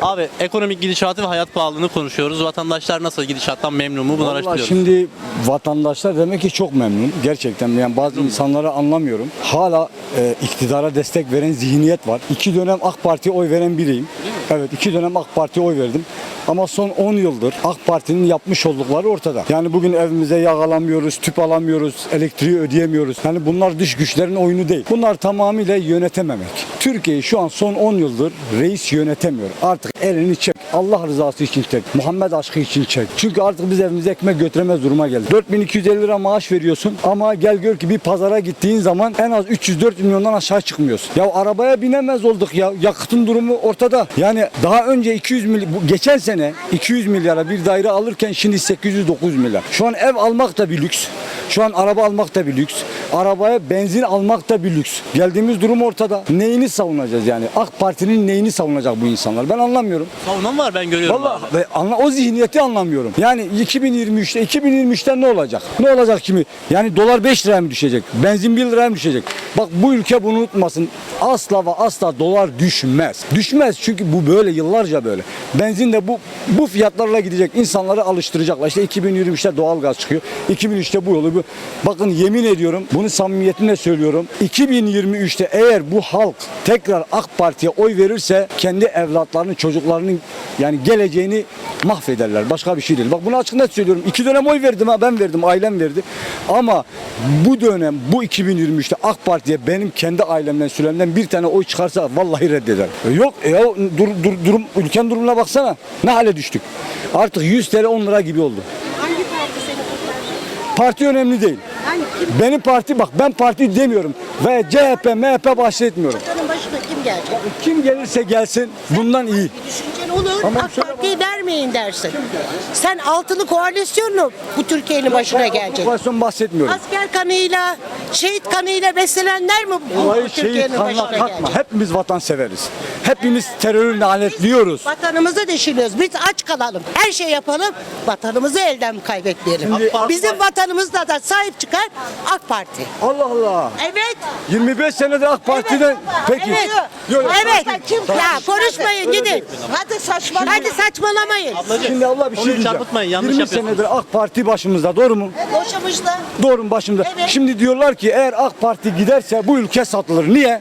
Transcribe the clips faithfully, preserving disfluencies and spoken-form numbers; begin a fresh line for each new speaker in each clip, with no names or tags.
Abi ekonomik gidişatı ve hayat pahalılığını konuşuyoruz. Vatandaşlar nasıl, gidişattan memnun mu? Bunu
Vallahi
araştırıyoruz.
şimdi vatandaşlar demek ki çok memnun. Gerçekten yani bazı insanları anlamıyorum. Hala e, iktidara destek veren zihniyet var. İki dönem AK Parti'ye oy veren biriyim. Evet, iki dönem AK Parti'ye oy verdim. Ama son on yıldır AK Parti'nin yapmış oldukları ortada. Yani bugün evimize yağ alamıyoruz, tüp alamıyoruz, elektriği ödeyemiyoruz. Yani bunlar dış güçlerin oyunu değil. Bunlar tamamıyla yönetememek. Türkiye'yi şu an son on yıldır reis yönetemiyor. Artık elini çek. Allah rızası için çek. Muhammed aşkı için çek. Çünkü artık biz evimize ekmek götüremez duruma geldik. dört bin iki yüz elli lira maaş veriyorsun ama gel gör ki bir pazara gittiğin zaman en az üç yüz dört yüz milyondan aşağı çıkmıyorsun. Ya arabaya binemez olduk ya. Yakıtın durumu ortada. Yani daha önce iki yüz milyar, geçen sene iki yüz milyara bir daire alırken şimdi sekiz yüz dokuz yüz milyar. Şu an ev almak da bir lüks. Şu an araba almak da bir lüks. Arabaya benzin almak da bir lüks. Geldiğimiz durum ortada. Neyini savunacağız yani? AK Parti'nin neyini savunacak bu insanlar? Ben anlamıyorum.
Savunan var, ben görüyorum.
Vallahi
abi.
ve anla, o zihniyeti anlamıyorum. Yani iki bin yirmi üçte iki bin yirmi üçte ne olacak? Ne olacak kimi? Yani dolar beş liraya mı düşecek? Benzin bir liraya mı düşecek? Bak bu ülke bunu unutmasın. Asla ve asla dolar düşmez. Düşmez çünkü bu böyle yıllarca böyle. Benzin de bu bu fiyatlarla gidecek. İnsanları alıştıracaklar. İşte iki bin yirmi üçte doğalgaz çıkıyor. iki bin üçte bu yolu bu. Bakın yemin ediyorum, bunu samimiyetimle söylüyorum. iki bin yirmi üçte eğer bu halk tekrar AK Parti'ye oy verirse kendi evlatlarının, çocuklarının yani geleceğini mahvederler. Başka bir şey değil. Bak bunu açık net söylüyorum. İki dönem oy verdim ha, ben verdim, ailem verdi. Ama bu dönem, bu iki bin yirmi üçte AK Parti'ye benim kendi ailemden, sülemden bir tane oy çıkarsa vallahi reddeder. Yok e, ya dur, dur, durum, ülkenin durumuna baksana. Ne hale düştük. Artık yüz TL on lira gibi oldu.
Hangi parti seni kurtaracak?
Parti önemli değil.
Hani kim?
Benim parti, bak ben parti demiyorum ve C H P, M H P bahsetmiyorum.
Vatanın başına kim gelecek?
Kim gelirse gelsin bundan iyi.
Bir düşüncen olur.
Tamam,
AK
söyle
Parti'yi vermeyin dersin. Sen altılı koalisyonla bu Türkiye'nin başına gelecek.
Koalisyon bahsetmiyorum.
Asker kanıyla, şehit kanıyla beslenenler mi bu
Olayı şehit
Türkiye'nin
kanına
başına
katma.
gelecek?
Hepimiz vatan severiz. Hepimiz terörü lanetliyoruz.
Vatanımızı deşiliyoruz. Biz aç kalalım. Her şey yapalım. Vatanımızı elden kaybetmeyelim.
Şimdi-
Bizim vatanımızda da sahip çıkar AK Parti.
Allah Allah.
Evet.
yirmi beş senedir AK Parti'den. Peki.
Evet.
Yok,
Evet.
Kim?
Ya konuşmayın gidin.
Hadi saçmalama.
Hadi saçmalamayın.
Ablacığım,
Şimdi Allah bir şey
konuyu
diyeceğim.
çarpıtmayın, yanlış
yirmi
yapıyorsunuz.
senedir AK Parti başımızda, doğru mu?
Boşamışlar.
Doğru mu başımızda?
Evet.
Şimdi diyorlar ki eğer AK Parti giderse bu ülke satılır. Niye?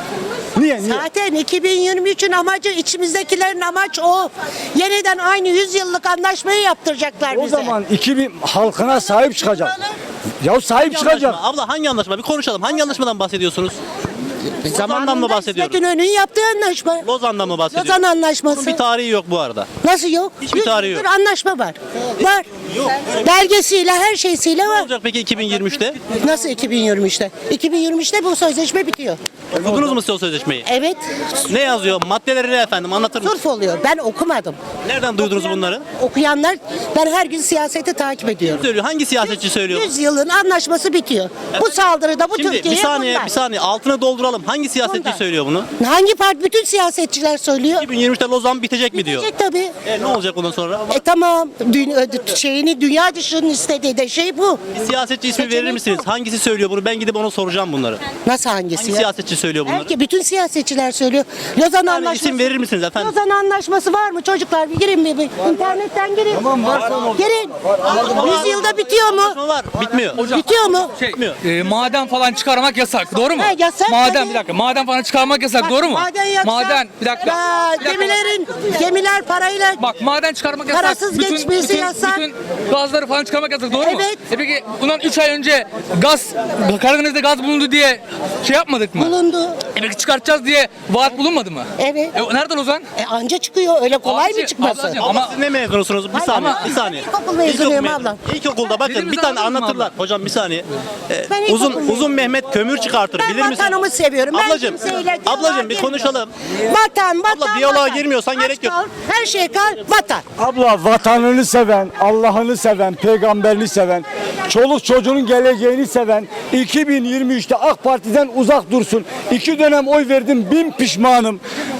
Niye? Niye?
Zaten iki bin yirmi üçün amacı, içimizdekilerin amaç o. Yeniden aynı yüz yıllık anlaşmayı yaptıracaklar
O
bize.
zaman iki bin halkına sahip çıkacak. Ya sahip
Hangi
çıkacak.
anlaşma? Abla hangi anlaşma? Bir konuşalım. Hangi anlaşmadan bahsediyorsunuz? Lozan'dan mı bahsediyoruz?
İsmet İnönü'nün yaptığı anlaşma.
Lozan'dan mı bahsediyoruz?
Lozan anlaşması.
Bunun bir tarihi yok bu arada.
Nasıl yok?
Hiçbir
Yüz
tarihi
yıldır
yok.
anlaşma var. Var.
Yok.
Belgesiyle, her şeysiyle
Ne
var.
olacak peki iki bin yirmi üçte?
Nasıl iki bin yirmi üçte? iki bin yirmi üçte bu sözleşme bitiyor.
Okudunuz mu siz o sözleşmeyi?
Evet.
Ne yazıyor? Maddeleri ne efendim? Anlatır mısınız?
Surf oluyor. Ben okumadım.
Nereden duydunuz bunları?
Okuyanlar, ben her gün siyaseti takip ediyorum.
Söylüyor. Hangi siyasetçi söylüyor?
yüz yılın anlaşması bitiyor. Bu saldırıda bu
Şimdi bir
Türkiye'ye
saniye,
bunlar.
bir saniye. Altına dolduralım. Hangi siyasetçi
Bunlar.
söylüyor bunu?
Hangi parti? Bütün siyasetçiler söylüyor.
iki bin yirmi üçte Lozan bitecek mi diyor?
Bitecek tabii.
E, ne olacak ondan sonra?
E tamam. Dünya, şeyini dünya dışının istediği de şey bu.
Bir siyasetçi ismi verir misiniz? Hangisi söylüyor bunu? Ben gidip ona soracağım bunları.
Nasıl hangisi
Hangi
ya?
siyasetçi söylüyor bunları?
Belki bütün siyasetçiler söylüyor. Lozan
Yani
Anlaşması.
isim verir misiniz efendim?
Lozan Anlaşması var mı çocuklar? Bir girin bir. bir. İnternetten girin.
Tamam, varsa ne olur.
Girin. yüz yılda bitiyor mu?
Anlaşma var. Bitmiyor.
Bitiyor mu?
Şey,
Bitmiyor.
e, maden falan çıkarmak yasak, doğru mu?
He, yasak
Maden
tabii.
bir dakika, maden falan çıkarmak yasak,
Bak,
doğru mu?
Maden yaksa,
Maden, bir dakika.
Ya,
bir dakika.
gemilerin, gemiler parayla
Bak maden çıkarmak yasak.
Parasız geçmesi
bütün,
yasak.
Bütün gazları falan çıkarmak yasak, doğru mu?
Evet.
E peki bundan üç ay önce gaz, Karadeniz'de gaz bulundu diye şey yapmadık mı?
bulundu.
E peki çıkartacağız diye vaat bulunmadı mı?
Evet.
E nereden o zaman?
E anca çıkıyor. Öyle kolay
Ablacığım,
mı çıkması?
ablacığım.
Ama
Ama-
siz ne mezunusunuz? Bir
Hayır,
saniye,
ama-
bir saniye.
İlkokul mezunuyum
İlkokul
ablam.
İlkokulda bakın
Dediğimiz
bir tane
anladın mı
anlatırlar.
abla?
Hocam bir saniye. Ee,
Ben
uzun
ilkokul
uzun Mehmet kömür çıkartır.
Ben
Bilir misiniz?
vatanımı seviyorum. Ben
Ablacığım,
kimseyle diyaloğa
ablacığım bir
girmiyorum.
konuşalım.
Vatan, vatan,
diyaloğa
vatan.
girmiyorsan
Aç
gerek yok.
kal, her şey kal, vatan.
Abla vatanını seven, Allah'ını seven, peygamberini seven, çoluk çocuğunun geleceğini seven iki bin yirmi üçte AK Parti'den uzak dursun. İki dönem oy verdim, bin pişmanım.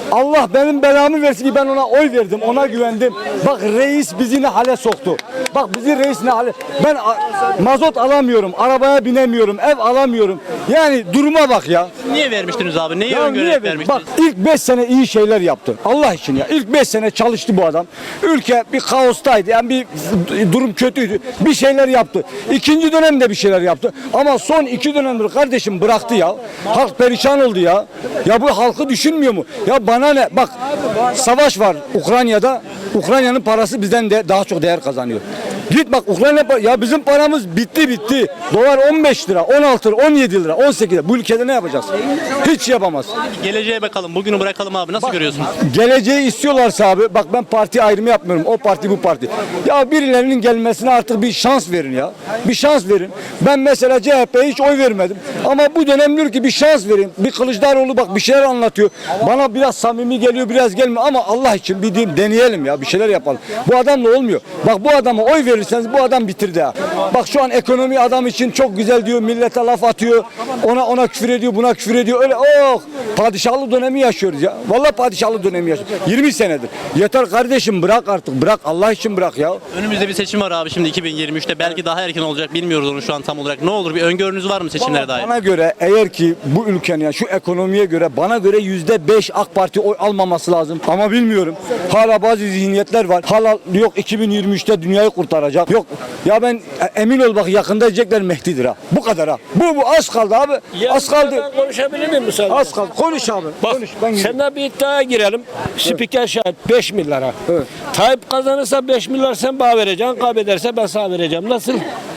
Allah benim belamı versin ki ben ona oy verdim, ona güvendim. Bak reis bizi ne hale soktu. Bak bizi reis ne hale... Ben a- mazot alamıyorum, arabaya binemiyorum, ev alamıyorum. Yani duruma bak ya.
Niye vermiştiniz abi? Neyi
Ya
öngörerek
niye verdim?
vermiştiniz?
Bak ilk beş sene iyi şeyler yaptı. Allah için ya. İlk beş sene çalıştı bu adam. Ülke bir kaostaydı. Yani bir durum kötüydü. Bir şeyler yaptı. İkinci dönemde bir şeyler yaptı. Ama son iki dönemdir kardeşim bıraktı ya. Halk perişan oldu ya. Ya bu halkı düşünmüyor mu? Ya bana ne? Bak savaş var Ukrayna'da. Ukrayna'nın parası bizden de daha çok değer kazanıyor. Git bak Ukrayna pa- ya bizim paramız bitti bitti. Dolar on beş lira, on altı lira, on yedi lira, on sekiz lira. Bu ülkede ne yapacağız? Hiç yapamaz.
Geleceğe bakalım. Bugünü bırakalım abi. Nasıl görüyorsunuz?
Geleceği istiyorlarsa abi bak ben parti ayrımı yapmıyorum. O parti bu parti. Ya birilerinin gelmesine artık bir şans verin ya. Bir şans verin. Ben mesela C H P'ye hiç oy vermedim. Ama bu dönem diyor ki bir şans verin. Bir Kılıçdaroğlu bak bir şeyler anlatıyor. Bana biraz samimi geliyor biraz gelmiyor ama Allah için bir diyeyim, deneyelim ya bir şeyler yapalım. Bu adamla olmuyor. Bak bu adama oy verirseniz bu adam bitirdi ha. Bak şu an ekonomi adam için çok güzel diyor. Millete laf atıyor. Ona ona küfür ediyor, buna küfür ediyor. Öyle oh padişahlı dönemi yaşıyoruz ya. Vallahi padişahlı dönemi yaşıyoruz. yirmi senedir. Yeter kardeşim bırak artık. Bırak Allah için bırak ya.
Önümüzde bir seçim var abi şimdi iki bin yirmi üçte. Belki daha erken olacak. Bilmiyoruz onu şu an tam olarak. Ne olur bir öngörünüz var mı seçimlere dair?
Bana göre eğer ki bu ülkenin ya şu ekonomiye göre bana göre yüzde beş AK Parti oy almaması lazım. Ama bilmiyorum. Hala bazı zihniyetler var. Hala yok iki bin yirmi üçte dünyayı kurtaracak. Yok ya ben e, emin ol bak yakında diyecekler Mehdi'dir ha. Bu kadar ha. Bu bu az kaldı abi. Az kaldı.
Ben konuşabilir miyim müsaade?
Az kaldı. Konuş abi.
Bak
Konuş. Ben gidiyorum.
senden bir iddiaya girelim. Spiker şahit beş milyara.
Evet.
Tayyip kazanırsa beş milyar sen bana vereceksin. Kaybederse ben sana vereceğim. Nasıl?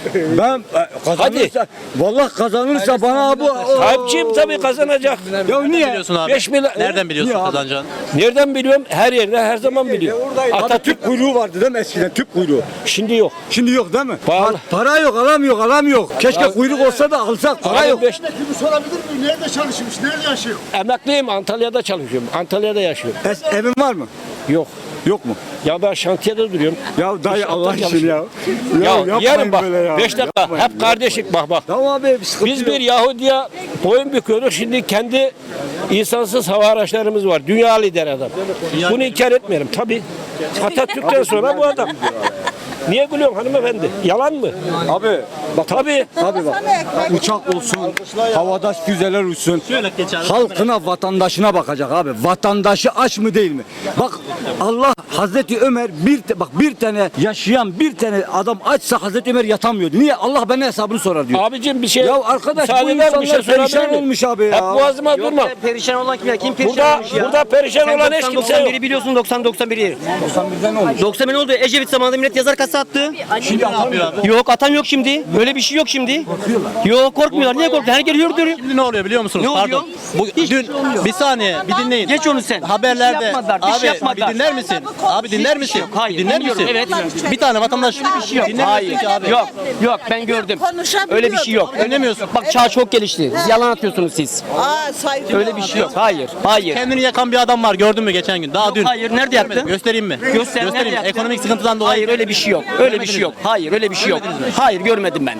Ben e, kazanırsa vallahi kazanırsa bana bu o-
Tayyipçiyim tabii kazanacak.
ya
Nereden
niye?
biliyorsun abi?
beş milyar-
Nereden biliyorsun
Niye abi?
kazanacağını?
Nereden biliyorum? Her yerde her zaman biliyorum.
Hatta tüp kuyruğu vardı değil mi eskiden tüp kuyruğu.
Şimdi yok.
Şimdi yok değil mi?
Pahalı.
Pa- Para yok alamıyor alamıyor. Keşke kuyruk olsa da alsak para
Abi
yok.
beş-
Şunu sorabilir miyim? Nerede çalışmış? Nerede yaşıyor?
Emekliyim Antalya'da çalışıyorum. Antalya'da yaşıyorum.
Es- evin var mı?
Yok.
Yok mu?
Ya ben şantiyede duruyorum.
Ya dayı
İnşaattan
Allah için
çalışıyorum.
ya.
Ya,
yapmayın
yarın bak.
böyle ya.
Beş dakika.
Yapmayın,
Hep kardeşlik bak bak.
Tamam abi bir sıkıntı
Biz
yok.
bir Yahudi'ye boyun büküyoruz. Şimdi kendi insansız hava araçlarımız var. Dünya lideri adam. Bunu inkar etmeyelim. Tabii. Atatürk'ten sonra bu adam. Niye gülüyorsun hanımefendi? Yalan mı?
Abi bak
Tabii.
abi bak. Uçak olsun, havada füzeler uçsun.
Şöyle geç abi.
Halkına, vatandaşına bakacak abi. Vatandaşı aç mı değil mi? Bak Allah Hazreti Ömer bir te- bak bir tane yaşayan bir tane adam açsa Hazreti Ömer yatamıyordu. Niye? Allah bana hesabını sorar diyor.
Abicim bir şey.
Ya arkadaş,
müsaade
bu
eder misin?
insanlar
Bir şey sorabilir
perişan
miyim?
olmuş abi ya.
Hep boğazıma durma.
Perişan olan kim ya? Kim perişan
Burada,
olmuş ya?
burada perişan
Sen
olan hiç
doksan
kimse
doksan
yok.
biri biliyorsun doksan doksan biri.
doksan birden ne olmuş?
doksan bin oldu. Ecevit zamanında millet yazar kasa attı.
Şimdi ne yapıyor abi?
Yok atan yok şimdi. Böyle bir şey yok şimdi. Yok korkmuyorlar. Niye korkuyor? Her geliyor diyor.
Şimdi ne oluyor biliyor musunuz?
Ne oluyor?
Pardon. Bu,
Hiçbir
dün
şey olmuyor.
bir saniye bir dinleyin.
Geç onu sen.
Haberlerde
Bir şey yapmadılar, bir şey
abi
yapmadılar.
bir dinler misin? Abi dinler misin?
yok, hayır,
Dinler
dinliyorum,
misin?
evet.
Bir tane vatandaş
Yok.
dinlemiyorsun
Hayır.
ki abi.
Yok. Yok ben gördüm. Öyle bir şey yok.
Dinlemiyorsun.
Bak çağ çok gelişti. Yalan atıyorsunuz siz.
Aa, saygı.
Öyle bir şey yok. Hayır. Hayır.
Kendini yakan bir adam var gördün mü geçen gün? Daha
Yok,
dün.
hayır, nerede yaktı?
Görmedim. Göstereyim mi?
Göster, nerede
Göstereyim.
yaktı?
Ekonomik sıkıntıdan dolayı.
Hayır öyle bir şey yok. Öyle bir şey yok. Hayır öyle bir şey yok. Hayır görmedim ben.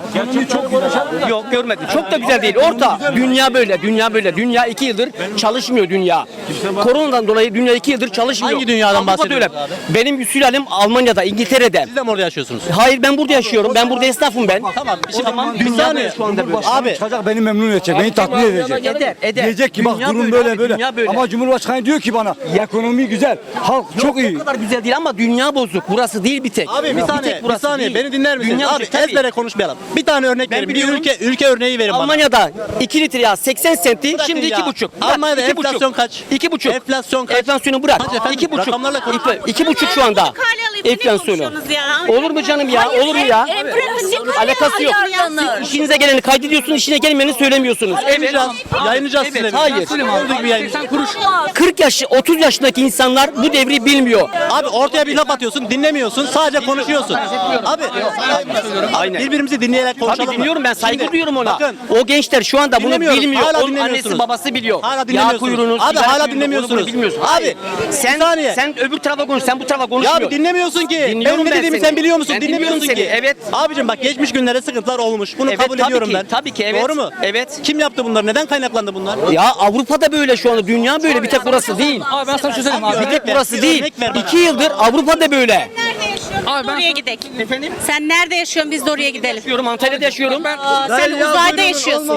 Yok görmedim. Çok da güzel değil. Orta. Dünya böyle. Dünya böyle. Dünya iki yıldır çalışmıyor dünya. Koronadan dolayı dünya iki yıldır çalışmıyor.
Hangi dünyadan
Avrupa'da
bahsediyorsunuz
öyle.
abi?
Benim sülalem Almanya'da, İngiltere'de.
Siz de mi orada yaşıyorsunuz?
Hayır ben burada yaşıyorum. Ben burada esnafım ben.
Tamam. Şimdi
Tamam.
bir
Dünya
saniye.
böyle şu anda böyle.
Abi
Çıkacak beni memnun edecek, beni tatmin edecek.
Eder, eder.
Diyecek ki bak
Dünya
durum
böyle
böyle
abi,
böyle.
dünya böyle.
Ama Cumhurbaşkanı diyor ki bana ekonomi güzel, halk çok iyi.
O kadar güzel değil ama dünya bozuk. Burası değil bir tek.
Abi bir saniye,
tek
bir
burası
saniye
değil.
beni dinler misiniz?
Dünya
Abi
bozuk, tabii.
ezbere konuşmayalım. Bir tane örnek
Ben
verin. Bir
biliyorum.
ülke ülke örneği verin bana.
Almanya'da iki litre yağ seksen senti,
Bırakın
şimdi
ya.
iki buçuk.
Almanya'da
iki buçuk.
enflasyon kaç?
İki buçuk.
Enflasyon kaç?
Enflasyonu bırak.
Kaç efendim?
İki buçuk.
Rakamlarla konuş.
İki, iki buçuk şu anda. Enflasyonu. Olur mu canım ya? Olur mu ya? Alakası yok. Siz işinize geleni kaydediyorsunuz, işine gelmeyeni söylemiyorsunuz. Evet.
Yayınlayacağız. Yayınlayacağız
Evet,
size.
hayır.
Olduğu gibi yayınlayacağız.
kırk yaş, otuz yaşındaki insanlar bu devri bilmiyor.
Abi ortaya bir laf atıyorsun, dinlemiyorsun, sadece konuşuyorsun. Abi,
Aynen.
birbirimizi dinleyerek konuşalım.
Tabii dinliyorum ben saygı
Şimdi,
duyuyorum ona.
Bakın,
O gençler şu anda bunu
Dinlemiyoruz,
bilmiyor.
hala
Onun
dinlemiyorsunuz.
annesi babası biliyor.
Hala
Yağ
dinlemiyorsunuz.
kuyruğunu,
Abi,
sigara
hala
kuyruğunu,
dinlemiyorsunuz.
onu bunu bilmiyorsun.
Abi,
Hayır.
bir
sen
saniye.
sen öbür tarafa konuş. Sen bu tarafa
ya
konuşmuyorsun.
abi dinlemiyorsun ki.
Dinliyorum
Benim ne
ben
dediğimi
seni.
sen biliyor musun?
Ben
Dinlemiyorsun
dinliyorum
ki.
seni, evet.
Abicim bak geçmiş günlerde sıkıntılar olmuş. okumuş. Bunu
Evet,
kabul
tabii
ediyorum
ki,
ben.
tabii ki, evet.
Doğru mu?
Evet.
Kim yaptı bunları? Neden kaynaklandı bunlar?
Ya Avrupa'da böyle şu anda. Dünya böyle. Bir tek burası değil.
Abi ben sana bir şey söyleyeyim abi.
Bir tek
ver,
burası
bir
değil.
örnek ver bana.
İki yıldır Avrupa'da böyle.
Nerede yaşıyorsun?
Abi
Biz
ben-
oraya gidelim. Efendim? Sen nerede yaşıyorsun? Biz de oraya gidelim.
Yaşıyorum, Antalya'da yaşıyorum.
Aa, sen uzayda yaşıyorsun.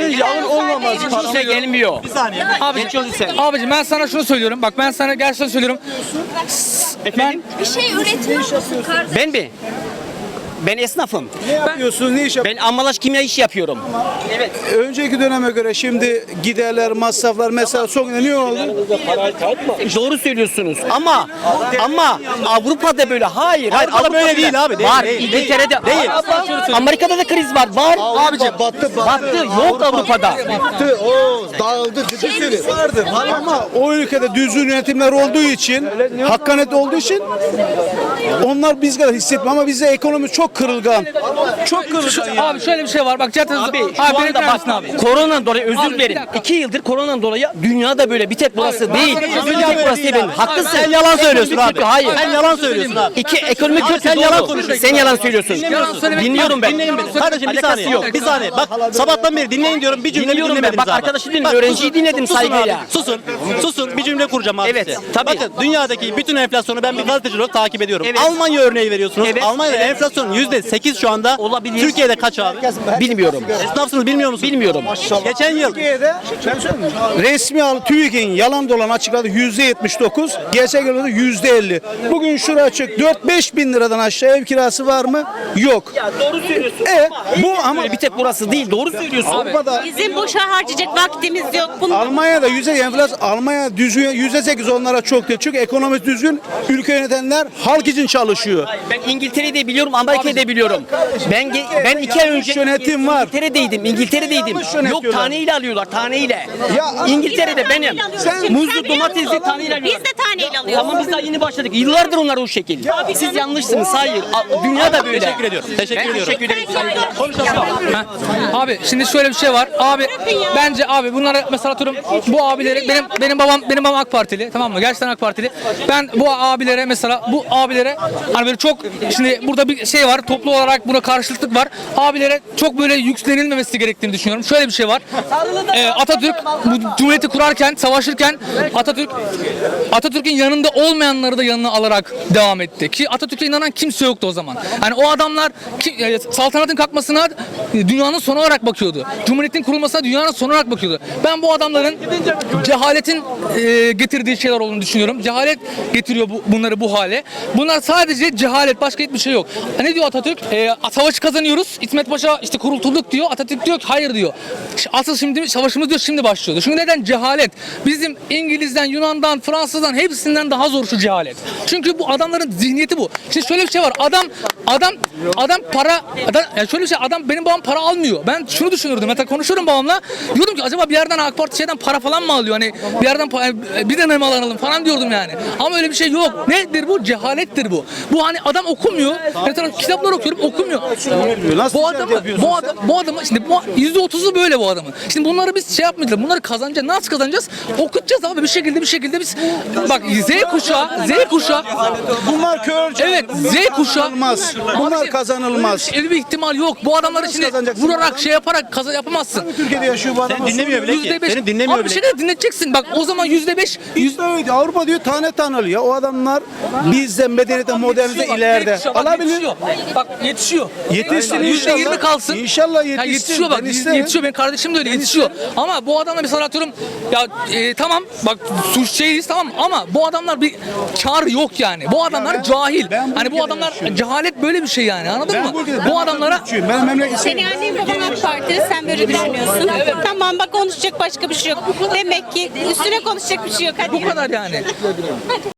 Kimse gelmiyor.
Bir saniye.
Abicim, abicim ben sana şunu söylüyorum. Bak ben sana gerçekten söylüyorum.
Efendim?
Bir şey üretmiyor musun kardeşim?
Ben mi? Ben esnafım.
Ne yapıyorsunuz? Ne iş yapıyorsunuz?
Ben ambalaj kimya işi yapıyorum. Evet.
Önceki döneme göre şimdi giderler, masraflar mesela son ne oldu?
Doğru söylüyorsunuz ama ama Avrupa'da böyle hayır.
Hayır, Avrupa böyle
Avrupa'da
değil abi, değil,
var.
değil,
İngiltere'de
değil.
Amerika'da da kriz var. Var.
Abicim battı
Battı. Yok Avrupa'da.
battı. O dağıldı. Ciddi vardır. Ama o ülkede düzgün yönetimler olduğu için, hakkaniyet olduğu için onlar biz kadar hissetmiyor ama bizde ekonomi çok kırılgan. Çok kırılgan ya.
Abi şöyle bir şey var. Bak zaten
Abi
abi,
şu
beni
anda
dinler misin
bak
abi?
koronadan dolayı özür
Abi, bir
dilerim.
dakika.
İki yıldır koronadan dolayı dünyada böyle bir tek burası
Abi, ben
değil.
sana bir şey
Bir
söyleyeyim.
tek burası değil benim.
Abi,
Haklısın.
Sen yalan söylüyorsun
Ekonomi
abi.
kötü, hayır.
Sen yalan söylüyorsun abi.
İki ekonomi
Abi
kötü.
sen
doğru.
yalan konuşuyorsun.
Sen yalan söylüyorsun.
Yalan söylemek-
Dinliyorum ben.
Dinleyin beni. Kardeşim bir
Alakası
saniye.
yok.
Bir saniye. Bak sabahtan beri dinleyin diyorum. Bir cümle
Dinliyorum ben.
dinlemediniz
Bak
abi.
arkadaşı dinledim.
Bak,
Öğrenciyi
susun,
dinledim
susun
saygıyla.
abi, Susun. Susun. Bir cümle kuracağım abi
Evet,
size.
tabii.
Bakın dünyadaki bütün enflasyonu ben bir gazeteci olarak takip ediyorum.
Evet.
Almanya örneği veriyorsunuz.
Evet.
Almanya'da enflasyon yüzde sekiz şu anda.
Olabilir.
Türkiye'de kaç abi?
Bilmiyorum.
Esnafsınız bilmiyor musunuz?
Bilmiyorum.
Geçen yıl
Türkiye'de resmi al TÜİK'in yalan dolan açıkladı yüzde yetmiş dokuz, gerçek olarak yüzde elli. Bugün şura açık dört beş bin liradan aşağı ev kirası var mı? Yok.
Doğru söylüyorsun.
E bu ama
Bir tek burası değil. Doğru söylüyorsun.
Avrupa'da
Bizim boşa harcayacak vaktimiz yok. Bunu
Almanya'da yüzde enflasyon, Almanya düzgün yüzde sekiz onlara çok değil. Çünkü ekonomi düzgün, ülke yönetenler halk için çalışıyor.
Ben İngiltere'yi de biliyorum, Amerika'yı da biliyorum. Ben ge- ben iki ay önce
yönetim var.
İngiltere'deydim, İngiltere'deydim.
Yanlış
Yok
yönetiyorlar.
taneyle alıyorlar, taneyle.
Ya-
İngiltere'de benim.
Sen-
Muzlu domatesli taneyle alıyorlar.
biz de taneyle alıyoruz.
Ama biz daha yeni başladık. Yıllardır onlar o şekil. Siz yanlışsınız, hayır. A- Dünya da böyle.
Teşekkür ediyorum. Teşekkür
Ben
ediyorum.
teşekkür ederim.
Ha. Abi şimdi şöyle bir şey var. Abi bence abi bunlara mesela atıyorum bu abileri benim benim babam benim babam AK Partili, tamam mı? Gerçekten AK Partili. Ben bu abilere mesela bu abilere hani böyle çok şimdi burada bir şey var. Toplu olarak buna karşılıklık var. Abilere çok böyle yüklenilmemesi gerektiğini düşünüyorum. Şöyle bir şey var. Ee, Atatürk bu cumhuriyeti kurarken, savaşırken Atatürk Atatürk'ün yanında olmayanları da yanına alarak devam etti. Ki Atatürk'e inanan kimse yoktu o zaman. Hani o adamlar ki, e, saltanatın kalkmasına e, dünyanın sonu olarak bakıyordu. Cumhuriyetin kurulmasına dünyanın sonu olarak bakıyordu. Ben bu adamların cehaletin e, getirdiği şeyler olduğunu düşünüyorum. Cehalet getiriyor bu, bunları bu hale. Bunlar sadece cehalet, başka hiçbir şey yok. Ne diyor Atatürk? E, savaşı kazanıyoruz. İsmet Paşa işte kurtulduk diyor. Atatürk diyor ki hayır diyor. Asıl şimdi savaşımız diyor şimdi başlıyor diyor. Çünkü neden? Cehalet. Bizim İngiliz'den, Yunan'dan, Fransız'dan hepsinden daha zor şu cehalet. Çünkü bu adamların zihniyeti bu. Şimdi şöyle bir şey var. Adam adam adam para adam, yani şöyle bir şey adam benim babam para almıyor. Ben şunu düşünürdüm. Hatta konuşuyorum babamla. Diyordum ki acaba bir yerden AK Parti şeyden para falan mı alıyor? Hani bir yerden pa- bir de mi alalım falan diyordum yani. Ama öyle bir şey yok. Nedir bu? Cehalettir bu. Bu hani adam okumuyor. Mesela kitaplar okuyorum okumuyor.
Nasıl
Bu
ticaret
adamı
yapıyorsun
bu adam bu adamı şimdi bu yüzde otuzu böyle bu adamın. Şimdi bunları biz şey yapmayacağız. Bunları kazanacağız. Nasıl kazanacağız? Okutacağız abi bir şekilde bir şekilde biz bak Z kuşağı Z kuşağı
Bunlar körce.
evet Z kuşağı
Kazanılmaz. Bunlar
Abi,
kazanılmaz.
Öyle bir ihtimal yok. Bu adamları şimdi
kazanacaksın?
vurarak şey yaparak kaza yapamazsın.
Türkiye'de yaşıyor bu adam.
Sen dinlemiyor bile ki.
Yüzde beş.
Seni dinlemiyor
Abi bir
bile.
şey de dinleteceksin. Bak o zaman yüzde beş.
Bizde öyle. Avrupa diyor tane tane alıyor. O adamlar bizden medeniyete, modernite
Yetişiyor bak,
ileride.
yetişiyor, bak,
Alabilir.
Yetişiyor. Bak yetişiyor.
Yetişsin
Yüzde
inşallah.
yirmi kalsın.
İnşallah
Ya
yetişsin.
yetişiyor bak
Ben isterim.
yetişiyor benim kardeşim de öyle yetişiyor. Ama bu adamlar mesela atıyorum ya e, tamam bak suç şeyiz tamam ama bu adamlar bir kar yok yani. Bu adamlar
ben-
cahil.
ben bu
Hani bu
ülkede
adamlar
yaşıyorum.
cehalet böyle bir şey yani anladın
Ben
mı?
bu ülkede-
Bu
ben
adamlara
Türkçüyüm. Ben memleket
Senin annen baban AK Partili, sen böyle düşünüyorsun. Tamam bak konuşacak başka bir şey yok. Demek ki üstüne konuşacak bir şey yok. Hadi.
bu kadar yani.